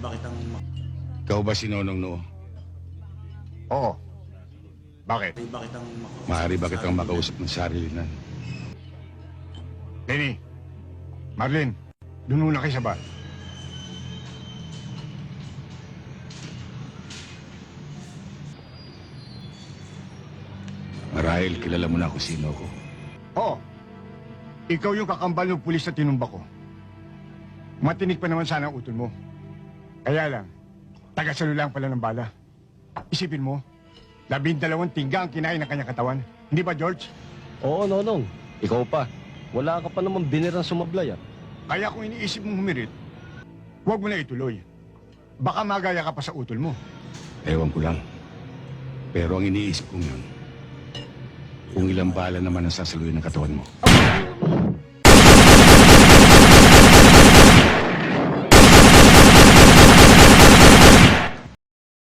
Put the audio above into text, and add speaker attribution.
Speaker 1: ba kitang
Speaker 2: Ikaw ba si Nonong Noo?
Speaker 3: Oo. Bakit?
Speaker 1: Maaari ba kitang
Speaker 2: Maaari ba kitang makausap ng sarili na?
Speaker 3: Lenny, Marlene, doon muna kayo sa bar.
Speaker 2: Marahil kilala mo na kung sino ako.
Speaker 3: Oo. Ikaw yung kakambal ng pulis na tinumba ko. Matinik pa naman sana ang utol mo. Kaya lang, taga-salo lang pala ng bala. Isipin mo, 12 tingga ang kinain ng kanyang katawan. Hindi ba, George?
Speaker 4: Oo, Nonong. Ikaw pa. Wala ka pa naman binirang sumablay, ah.
Speaker 3: Kaya kung iniisip mong humirit, huwag mo na ituloy. Baka magaya ka pa sa utol mo.
Speaker 2: Ewan ko lang. Pero ang iniisip kong yun, kung ilang bala naman ang sasaluhin ng katawan mo.